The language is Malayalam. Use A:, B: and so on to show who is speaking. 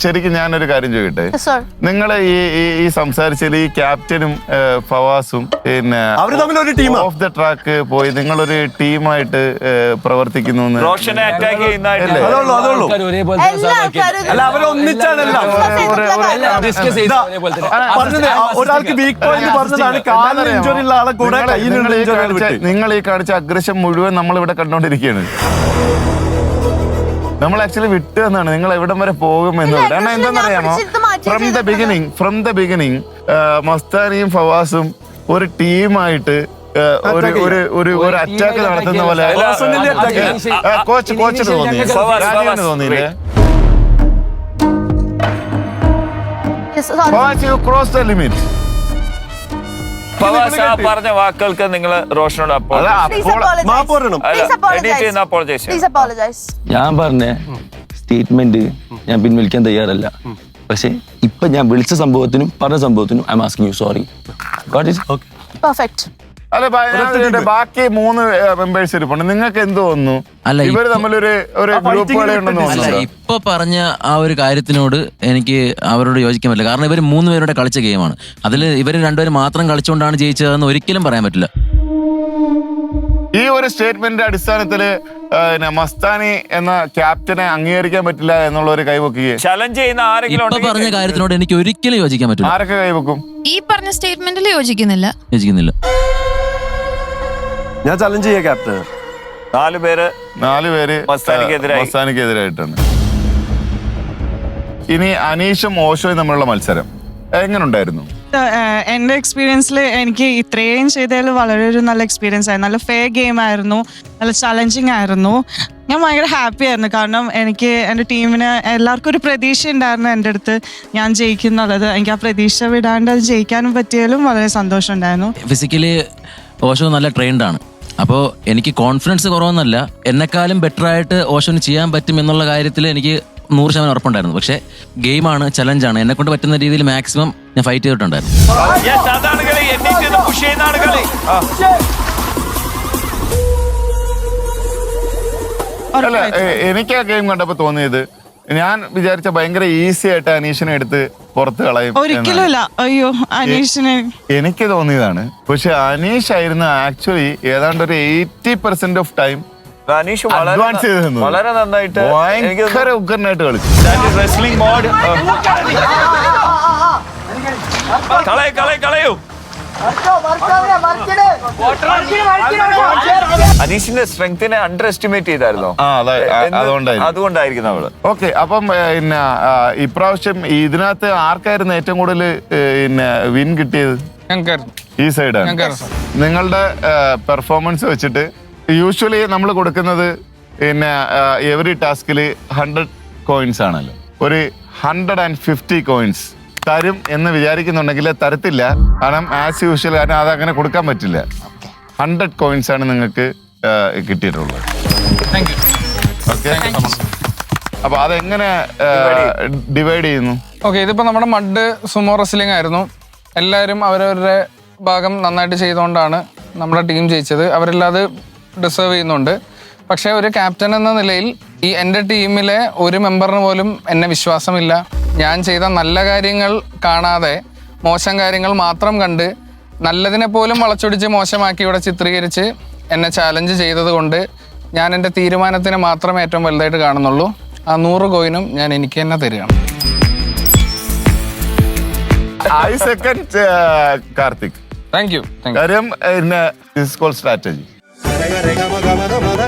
A: ശരിക്കും ഞാനൊരു കാര്യം ചോദിക്കട്ടെ, നിങ്ങൾ ഈ സംസാരിച്ചതിൽ ഈ ക്യാപ്റ്റനും ഫവാസും പിന്നെ
B: അവര് തമ്മിൽ ഒരു ടീം
A: ഓഫ് ദ ട്രാക്ക് പോയി നിങ്ങളൊരു ടീമായിട്ട് പ്രവർത്തിക്കുന്നു.
C: റോഷനെ അറ്റാക്ക് ചെയ്യുന്നതായിട്ട്
B: അല്ല, അവരൊന്നിച്ചാണല്ലോ ഒരാൾക്ക് വീക്ക് പോയിന്റ് പറഞ്ഞതാണ്. കാലിന് ഇഞ്ചുറി ഉള്ള ആളെ കൂടെ
A: നിങ്ങൾ ഈ കാണിച്ച അഗ്രഷൻ മുഴുവൻ നമ്മൾ ഇവിടെ കണ്ടോണ്ടിരിക്കുകയാണ്. നമ്മൾ ആക്ച്വലി വിട്ടു എന്നാണ് നിങ്ങൾ എവിടം വരെ പോകുമെന്നുള്ളത്. കാരണം എന്താണെന്നറിയാമോ, ഫ്രം ദ ബിഗിനിങ് മസ്താനിയും ഫവാസും ഒരു ടീമായിട്ട് ഒരു അറ്റാക്ക് നടത്തുന്ന പോലെ കോച്ചിന് തോന്നിയില്ലേ? Cross the limit.
C: പറഞ്ഞ വാക്കുകൾക്ക് നിങ്ങൾ റോഷനോട്
D: ഞാൻ പറഞ്ഞ സ്റ്റേറ്റ്മെന്റ് ഞാൻ പിൻവലിക്കാൻ തയ്യാറല്ല. പക്ഷെ ഇപ്പൊ ഞാൻ വിളിച്ച സംഭവത്തിനും പറഞ്ഞ സംഭവത്തിനും I'm asking you sorry.
A: അല്ല, ബാക്കി 3 മെമ്പേഴ്സ് ഇരിപ്പുണ്ട്. നിങ്ങൾക്ക് എന്ത് തോന്നുന്നു? ഇവര് തമ്മിലൊരു ഗ്രൂപ്പ് പോലെ ഉണ്ടെന്ന് തോന്നുന്നു.
E: ഇപ്പൊ പറഞ്ഞ ആ ഒരു കാര്യത്തിനോട് എനിക്ക് അവരോട് യോജിക്കാൻ പറ്റില്ല. കാരണം ഇവർ 3 പേരുടെ കളിച്ച ഗെയിമാണ്. അതിൽ ഇവർ 2 പേര് മാത്രം കളിച്ചുകൊണ്ടാണ് ജയിച്ചതെന്ന് ഒരിക്കലും പറയാൻ പറ്റില്ല.
A: ഈ ഒരു സ്റ്റേറ്റ്മെന്റിന്റെ അടിസ്ഥാനത്തില് മസ്താനി എന്ന ക്യാപ്റ്റനെ അംഗീകരിക്കാൻ പറ്റില്ല എന്നുള്ള ഒരു കൈവക്കുകയെ
C: ചലഞ്ച് ചെയ്യുന്ന ആരെങ്കിലും
E: ഇപ്പൊ പറഞ്ഞ കാര്യത്തിനോട് എനിക്ക് ഒരിക്കലും യോജിക്കാൻ പറ്റില്ല.
A: ആരൊക്കെ കൈവക്കും?
F: ഈ പറഞ്ഞ സ്റ്റേറ്റ്മെന്റിൽ യോജിക്കുന്നില്ല.
B: ഞാൻ ചലഞ്ച് ചെയ്യാം ക്യാപ്റ്റൻ.
C: 4 പേര്
A: മസ്താനിക്കെതിരായിട്ടാണ്. ഇനി അനീഷും ഓഷോയും തമ്മിലുള്ള മത്സരം എങ്ങനെ ഉണ്ടായിരുന്നു?
G: എൻ്റെ എക്സ്പീരിയൻസിൽ എനിക്ക് ഇത്രയും ചെയ്തതിൽ വളരെ ഒരു നല്ല എക്സ്പീരിയൻസ് ആയിരുന്നു. നല്ല ഫെയർ ഗെയിം ആയിരുന്നു, നല്ല ചലഞ്ചിങ് ആയിരുന്നു. ഞാൻ ഭയങ്കര ഹാപ്പി ആയിരുന്നു. കാരണം എനിക്ക് എൻ്റെ ടീമിന് എല്ലാവർക്കും ഒരു പ്രതീക്ഷ ഉണ്ടായിരുന്നു എൻ്റെ അടുത്ത് ഞാൻ ജയിക്കുന്നുള്ളത്. എനിക്ക് ആ പ്രതീക്ഷ വിടാണ്ട് അത് ജയിക്കാനും പറ്റിയാലും വളരെ സന്തോഷം ഉണ്ടായിരുന്നു.
E: ഫിസിക്കലി ഓഷോ നല്ല ട്രെയിൻഡ് ആണ്. അപ്പോൾ എനിക്ക് കോൺഫിഡൻസ് കുറവൊന്നുമല്ല, എന്നെക്കാളും ബെറ്റർ ആയിട്ട് ഓഷോന് ചെയ്യാൻ പറ്റും എന്നുള്ള കാര്യത്തിൽ എനിക്ക് 100% ഉറപ്പുണ്ടായിരുന്നു. പക്ഷെ ഗെയിമാണ്, ചലഞ്ചാണ്, എന്നെ കൊണ്ട് പറ്റുന്ന രീതിയിൽ മാക്സിമം ഞാൻ ഫൈറ്റ് ചെയ്തിട്ടുണ്ടായിരുന്നു.
A: അല്ല, എനിക്ക് ആ ഗെയിം കണ്ടപ്പോ തോന്നിയത്, ഞാൻ വിചാരിച്ച ഭയങ്കര ഈസി ആയിട്ട് അനീഷിനെ എടുത്ത് പുറത്ത് കളയും.
G: ഒരിക്കലുമില്ല. അയ്യോ, അനീഷിനെ
A: എനിക്ക് തോന്നിയതാണ്. പക്ഷെ അനീഷ് ആയിരുന്നു ആക്ച്വലി ഏതാണ്ട് ഒരു 80% ഓഫ് ടൈം
C: അനീഷ്
A: അഡ്വാൻസ് ചെയ്ത്
C: വളരെ നന്നായിട്ട്
A: ഭയങ്കര ഉഗ്രനായിട്ട് കളിച്ചു.
C: റെസ്ലിംഗ് മോഡ് കളയൂ. അനീഷിന്റെ സ്ട്രെങ്തിനെ അണ്ടർ എസ്റ്റിമേറ്റ് ചെയ്തായിരുന്നോ? അതുകൊണ്ടായിരിക്കും നമ്മള്.
A: ഓക്കെ, അപ്പം പിന്നെ ഇപ്രാവശ്യം ഇതിനകത്ത് ആർക്കായിരുന്നു ഏറ്റവും കൂടുതൽ പിന്നെ വിൻ കിട്ടിയത്? ഈ സൈഡാണ്. നിങ്ങളുടെ പെർഫോമൻസ് വെച്ചിട്ട് യൂഷ്വലി നമ്മൾ കൊടുക്കുന്നത് പിന്നെ എവറി ടാസ്കിൽ 100 കോയിൻസ് ആണല്ലോ. ഒരു 150 കോയിൻസ് തരും എന്ന് വിചാരിക്കുന്നുണ്ടെങ്കിൽ തരത്തില്ല. കാരണം ആസ് യൂഷ്വൽ, കാരണം അതങ്ങനെ കൊടുക്കാൻ പറ്റില്ല. 100 കോയിൻസ് ആണ് നിങ്ങൾക്ക് കിട്ടിയിട്ടുള്ളത്. ഓക്കെ, അപ്പൊ അതെങ്ങനെ ഡിവൈഡ് ചെയ്യുന്നു?
H: ഓക്കെ, ഇതിപ്പോ നമ്മുടെ മഡ് സുമോ റെസ്ലിംഗ് ആയിരുന്നു. എല്ലാവരും അവരവരുടെ ഭാഗം നന്നായിട്ട് ചെയ്തുകൊണ്ടാണ് നമ്മുടെ ടീം ജയിച്ചത്. അവരെല്ലാം അത് ഡിസേർവ് ചെയ്യുന്നുണ്ട്. പക്ഷേ ഒരു ക്യാപ്റ്റൻ എന്ന നിലയിൽ എൻ്റെ ടീമിലെ ഒരു മെമ്പറിന് പോലും എന്നെ വിശ്വാസമില്ല. ഞാൻ ചെയ്ത നല്ല കാര്യങ്ങൾ കാണാതെ മോശം കാര്യങ്ങൾ മാത്രം കണ്ട് നല്ലതിനെ പോലും വളച്ചൊടിച്ച് മോശമാക്കി ഇവിടെ ചിത്രീകരിച്ച് എന്നെ ചാലഞ്ച് ചെയ്തത് കൊണ്ട് ഞാൻ എൻ്റെ തീരുമാനത്തിന് മാത്രമേ ഏറ്റവും വലുതായിട്ട് കാണുന്നുള്ളൂ. ആ 100 കോയിനും ഞാൻ എനിക്ക് തന്നെ തരികയാണ്.
A: Karthik,
H: thank you.
A: കാര്യം സ്ട്രാറ്റജി